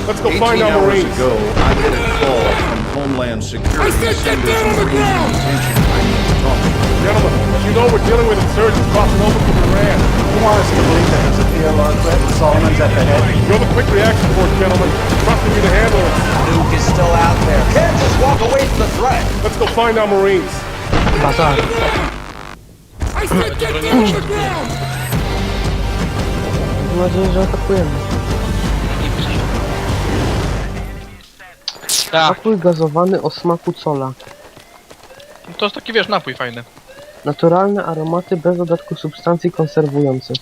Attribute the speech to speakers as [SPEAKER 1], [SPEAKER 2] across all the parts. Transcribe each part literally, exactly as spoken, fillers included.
[SPEAKER 1] Let's go find
[SPEAKER 2] eighteen
[SPEAKER 1] our
[SPEAKER 2] hours
[SPEAKER 1] Marines.
[SPEAKER 2] ago, I get a call from Homeland Security saying there's a Marine in detention I need to talk to.
[SPEAKER 1] Gentlemen, as you know, we're dealing with insurgents crossing over from Iran.
[SPEAKER 3] You want us to believe that there's a P L R threat and Solomon's at the head?
[SPEAKER 1] You're the quick reaction force, gentlemen. Trusting you to handle it.
[SPEAKER 4] Nuke is still out there. Can't just walk away from the threat.
[SPEAKER 1] Let's go find our Marines.
[SPEAKER 5] Bazar. Mam nadzieję, że atakujemy.
[SPEAKER 6] Tak,
[SPEAKER 5] Napój gazowany o smaku cola.
[SPEAKER 6] to jest taki, wiesz, napój fajny.
[SPEAKER 5] Naturalne aromaty bez dodatku substancji konserwujących.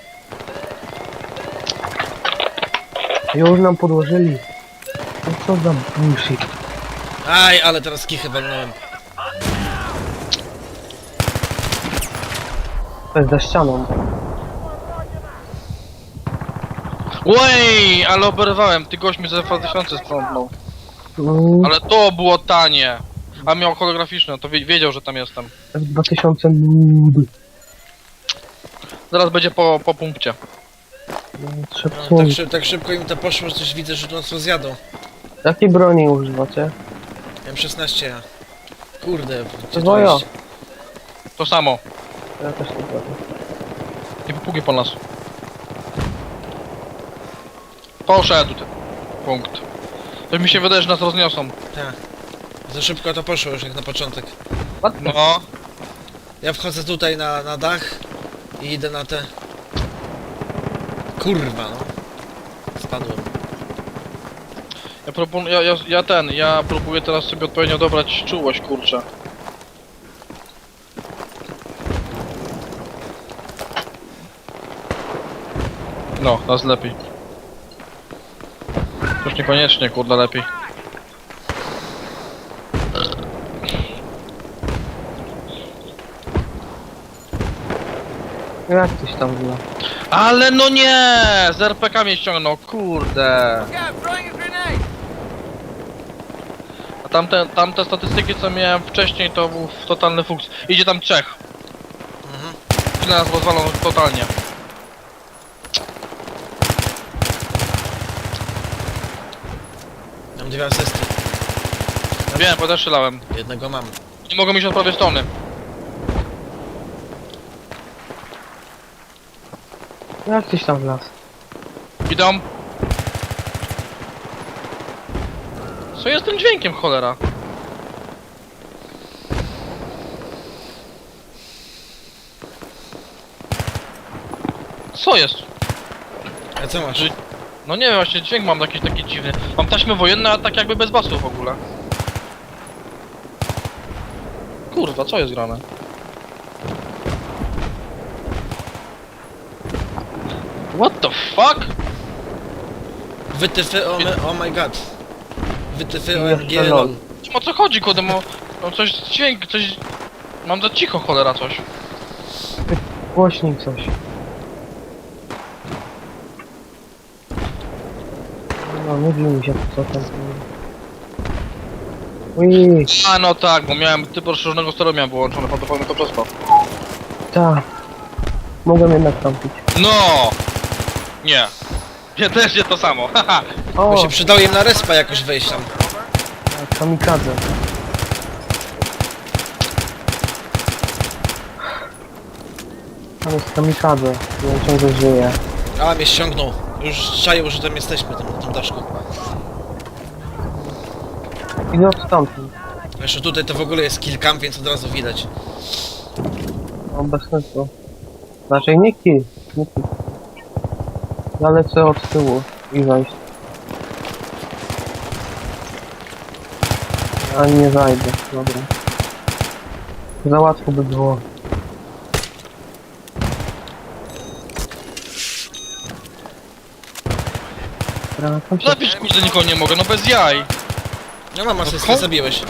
[SPEAKER 5] Już nam podłożyli. No co za bullshit.
[SPEAKER 7] Aj, ale teraz kichę walnąłem.
[SPEAKER 5] To jest za ścianą.
[SPEAKER 6] Oj, ale oberwałem, ty gość mi za dwa tysiące sprzątnął.
[SPEAKER 5] Mm,
[SPEAKER 6] Ale to było tanie. A miał holograficzne, to wie, wiedział, że tam jestem.
[SPEAKER 5] F dwa tysiące nudy.
[SPEAKER 6] Zaraz będzie po, po punkcie.
[SPEAKER 7] No,
[SPEAKER 5] Trzepsuj.
[SPEAKER 7] tak, szy tak szybko im to poszło, że coś widzę, że nas rozjadą.
[SPEAKER 5] Jakiej broni używacie?
[SPEAKER 7] M szesnaście ja. Kurde, gdzie to
[SPEAKER 5] Dwojo.
[SPEAKER 7] jest?
[SPEAKER 6] To samo.
[SPEAKER 5] Ja też nie wiem.
[SPEAKER 6] Nie popługi po nas. Poszedł ty. Punkt. To mi się wydaje, że nas rozniosą.
[SPEAKER 7] Tak. Za szybko to poszło już jak na początek.
[SPEAKER 6] No.
[SPEAKER 7] Ja wchodzę tutaj na, na dach i idę na te... Kurwa no. Spadłem.
[SPEAKER 6] Ja proponuję, ja, ja, ja ten, ja próbuję teraz sobie odpowiednio dobrać czułość, kurczę. No, teraz lepiej. Już niekoniecznie, kurde, lepiej.
[SPEAKER 5] Jak coś tam było?
[SPEAKER 6] Ale no nie! Z er pe ka mnie ściągnął, kurde. A tamte, tamte statystyki, co miałem wcześniej, to był totalny fuks. Idzie tam trzech.
[SPEAKER 7] Mhm.
[SPEAKER 6] Ile nas rozwalą totalnie.
[SPEAKER 7] Mam dwie asysty.
[SPEAKER 6] Wiem, bo też strzelałem.
[SPEAKER 7] Jednego mam.
[SPEAKER 6] Nie mogą iść od prawej strony.
[SPEAKER 5] Jak coś tam wlazł?
[SPEAKER 6] Idą. Co jest tym dźwiękiem, cholera? Co jest?
[SPEAKER 7] A co masz?
[SPEAKER 6] Że- No nie wiem, właśnie dźwięk mam jakiś taki dziwny. Mam taśmy wojenne, a tak jakby bez basu w ogóle. Kurwa, co jest grane? What the fuck?
[SPEAKER 7] Wytyfy, o, my, oh my god. Wytyfy, o M G,
[SPEAKER 5] Jeszcze
[SPEAKER 7] lol.
[SPEAKER 5] lol.
[SPEAKER 6] O co chodzi, kurde, mo... No coś, dźwięk, coś... Mam za cicho, cholera, coś.
[SPEAKER 5] Głośniej coś. No, mówi mi się co tam. Ui,
[SPEAKER 6] A no tak, bo miałem typ rozszerzonego steru miałem wyłączony, prawdopodobnie to przez to.
[SPEAKER 5] ta. Mogłem jednak tampić.
[SPEAKER 6] No! Nie. Nie, też nie to samo, haha.
[SPEAKER 5] O,
[SPEAKER 7] Bo się przydało im na respa jakoś wejść tam.
[SPEAKER 5] tak, kamikadze. Tam jest kamikadze, i on ciągle żyje.
[SPEAKER 7] A, mnie ściągnął. Już czaił, że tam jesteśmy, tam na tym daszku.
[SPEAKER 5] Idę od tamtym.
[SPEAKER 7] Jeszcze tutaj to w ogóle jest kill cam, więc od razu widać.
[SPEAKER 5] No bez sensu. Raczej nie kill, nie kill. Ja lecę od tyłu i wejść. A nie zajdę, dobra. Za łatwo by było. Dobra, tam się...
[SPEAKER 6] Zabić kurde nikogo nie mogę, no bez jaj.
[SPEAKER 7] No mam asystę,
[SPEAKER 6] ko-
[SPEAKER 7] zabiłeś.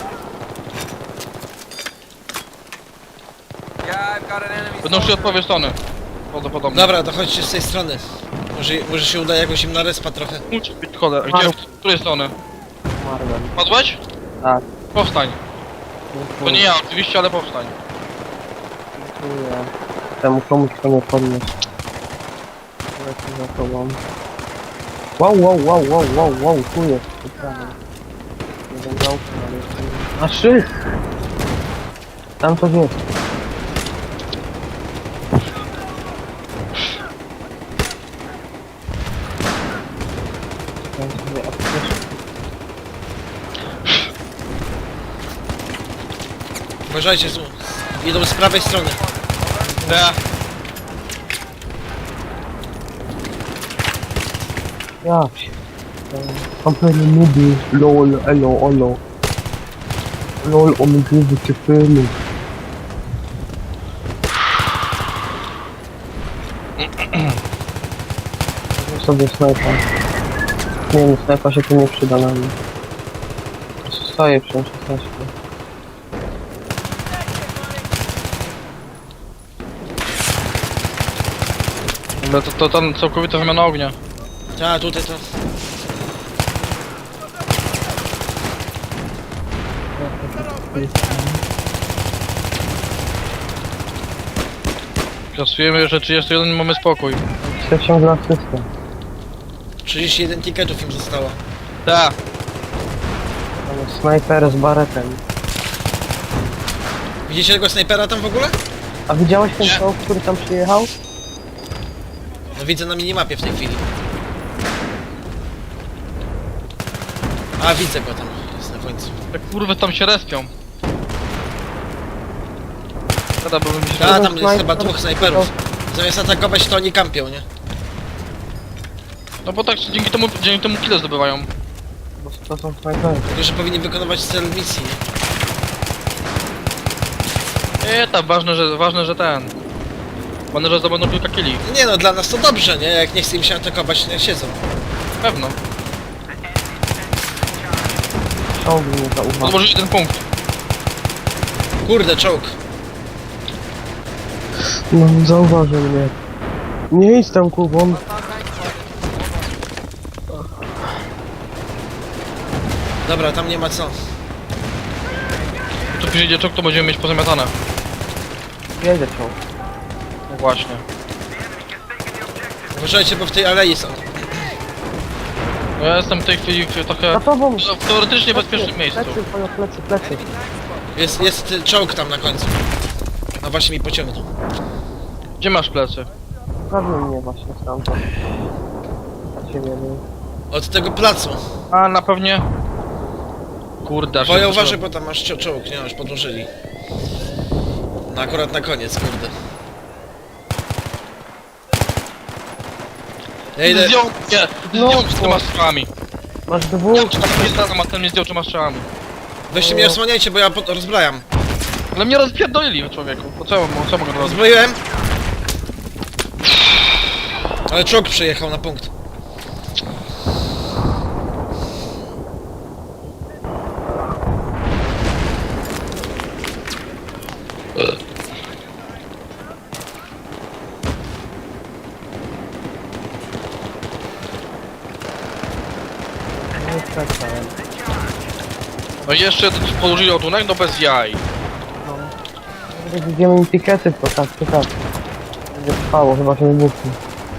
[SPEAKER 6] Będą szli od prawej strony. Prawdopodobnie.
[SPEAKER 7] Dobra, to chodźcie z tej strony. Może, może się uda jakoś im na respa trochę.
[SPEAKER 6] Musi być cholera. Gdzie? W której strony?
[SPEAKER 5] Umarłem.
[SPEAKER 6] Padłeś?
[SPEAKER 5] Tak.
[SPEAKER 6] Powstań. To nie ja oczywiście, ale powstań.
[SPEAKER 5] Dziękuję. Temu komuś to nie podniósł. Lecę za tobą. Wow, wow, wow, wow, wow, wow, tu jest. po prawej. Nie wiem, działko, ale jest. A szyld! Tam coś jest. Tam sobie apteczkę.
[SPEAKER 7] Uważajcie, tu. Idą z prawej strony.
[SPEAKER 6] Ja.
[SPEAKER 5] Ja się. Kompletnie nudy. Lol, elo, olo. Lol, omygrywy cię filmu. Weź sobie snajpa. Nie wiem, snajpa się tu nie przyda na mnie. Po prostu stoję przy szesnaście.
[SPEAKER 6] Ale to, to tam całkowita wymiana ognia.
[SPEAKER 7] A, tutaj to.
[SPEAKER 6] Kasujemy jeszcze trzydzieści jeden i mamy spokój.
[SPEAKER 5] Chcę ciągle asystę.
[SPEAKER 7] trzydzieści jeden tiketów im zostało.
[SPEAKER 6] Tak.
[SPEAKER 5] Tam jest snajper z baretem.
[SPEAKER 7] Widzicie tego snajpera tam w ogóle?
[SPEAKER 5] A widziałeś ten
[SPEAKER 6] Nie.
[SPEAKER 5] czołg, który tam przyjechał?
[SPEAKER 7] No widzę na minimapie w tej chwili. A, widzę go tam. Jest na końcu.
[SPEAKER 6] Jak kurwy tam się respią. Kada byłbym mi się...
[SPEAKER 7] A, tam jest
[SPEAKER 5] snajper-
[SPEAKER 7] chyba dwóch snajperów. Zamiast atakować, to oni kampią, nie?
[SPEAKER 6] No bo tak dzięki temu, dzięki temu kile zdobywają.
[SPEAKER 5] Bo to są snajpery.
[SPEAKER 7] Tylko, że powinni wykonywać cel misji, nie?
[SPEAKER 6] Nie, tam ważne, że ważne, że ten. Ważne, że zdobędą kilka kili.
[SPEAKER 7] Nie no, dla nas to dobrze, nie? Jak nie chce im się atakować, niech siedzą.
[SPEAKER 6] Pewno.
[SPEAKER 5] Czołg mnie zauważył.
[SPEAKER 6] Odłożyli ten punkt.
[SPEAKER 7] Kurde, czołg.
[SPEAKER 5] No, zauważył mnie. Nie idź tam, Kubon.
[SPEAKER 7] Dobra, tam nie ma co.
[SPEAKER 6] Tu przyjdzie czok, to będziemy mieć pozamiatane.
[SPEAKER 5] Jedzie czołg.
[SPEAKER 6] No właśnie.
[SPEAKER 7] Uważajcie, bo w tej alei są.
[SPEAKER 6] No ja jestem w tej chwili w trochę...
[SPEAKER 5] Za tobą!
[SPEAKER 6] w teoretycznie bezpiecznym miejscu.
[SPEAKER 5] Plecy, twoje plecy, plecy.
[SPEAKER 7] Jest, jest y, czołg tam na końcu. No właśnie mi pociągnął.
[SPEAKER 6] Gdzie masz plecy?
[SPEAKER 5] Prawie mnie właśnie stamtąd. A ciebie nie.
[SPEAKER 7] Od tego placu.
[SPEAKER 6] A, na pewnie... Kurde, aż
[SPEAKER 7] Boję,
[SPEAKER 6] się
[SPEAKER 7] uważaj,
[SPEAKER 6] zacząłem.
[SPEAKER 7] bo tam masz cio- czołg, nie? Już podłożyli. No akurat na koniec, kurde. Ja idę...
[SPEAKER 6] Zdjął mnie!
[SPEAKER 5] No,
[SPEAKER 6] Zdjął z tyma strzałami.
[SPEAKER 5] Masz dwóch.
[SPEAKER 6] Ja czy tam jest tam, a ten mnie zdjął trzema strzałami.
[SPEAKER 7] Weźcie mnie osłaniajcie, bo ja pod... rozbrajam.
[SPEAKER 6] Ale mnie rozpierdolili, człowieku. Po co, co mogę robić?
[SPEAKER 7] Rozbroiłem. Ale czołg przyjechał na punkt.
[SPEAKER 5] Nie czekałem.
[SPEAKER 6] No i jeszcze położyli ładunek, no bez jaj.
[SPEAKER 5] Może widzimy im pikety, to tak, to tak. Będzie trwało, chyba się wybuchnie.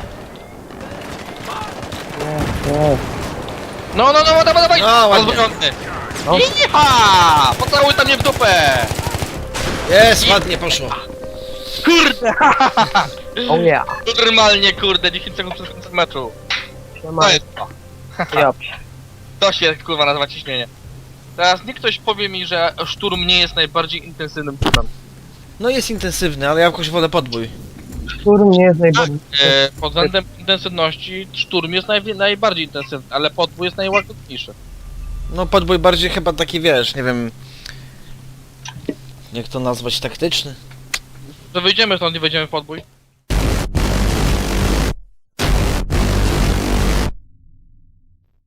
[SPEAKER 5] Nie, nie.
[SPEAKER 6] No, no, no, dawaj, dawaj!
[SPEAKER 7] No, ładnie.
[SPEAKER 6] Rozbrojony!
[SPEAKER 5] No.
[SPEAKER 6] Iha! Pocałuj tam mnie w dupę!
[SPEAKER 7] Jest, ładnie poszło.
[SPEAKER 6] Kurde!
[SPEAKER 5] Oh yeah.
[SPEAKER 6] Normalnie, kurde, dziesięć sekund przed końcem meczu.
[SPEAKER 5] Siema.
[SPEAKER 6] To jest to.
[SPEAKER 5] Ja.
[SPEAKER 6] To się, kurwa, nazywa ciśnienie. Teraz niech ktoś powie mi, że szturm nie jest najbardziej intensywnym trudem.
[SPEAKER 7] No jest intensywny, ale ja jakoś wolę podbój.
[SPEAKER 5] Szturm nie jest najbardziej...
[SPEAKER 6] E, pod względem intensywności szturm jest naj, najbardziej intensywny, ale podbój jest najłagodniejszy.
[SPEAKER 7] No podbój bardziej chyba taki, wiesz, nie wiem... Jak to nazwać, taktyczny?
[SPEAKER 6] Że wyjdziemy stąd i wejdziemy w podbój.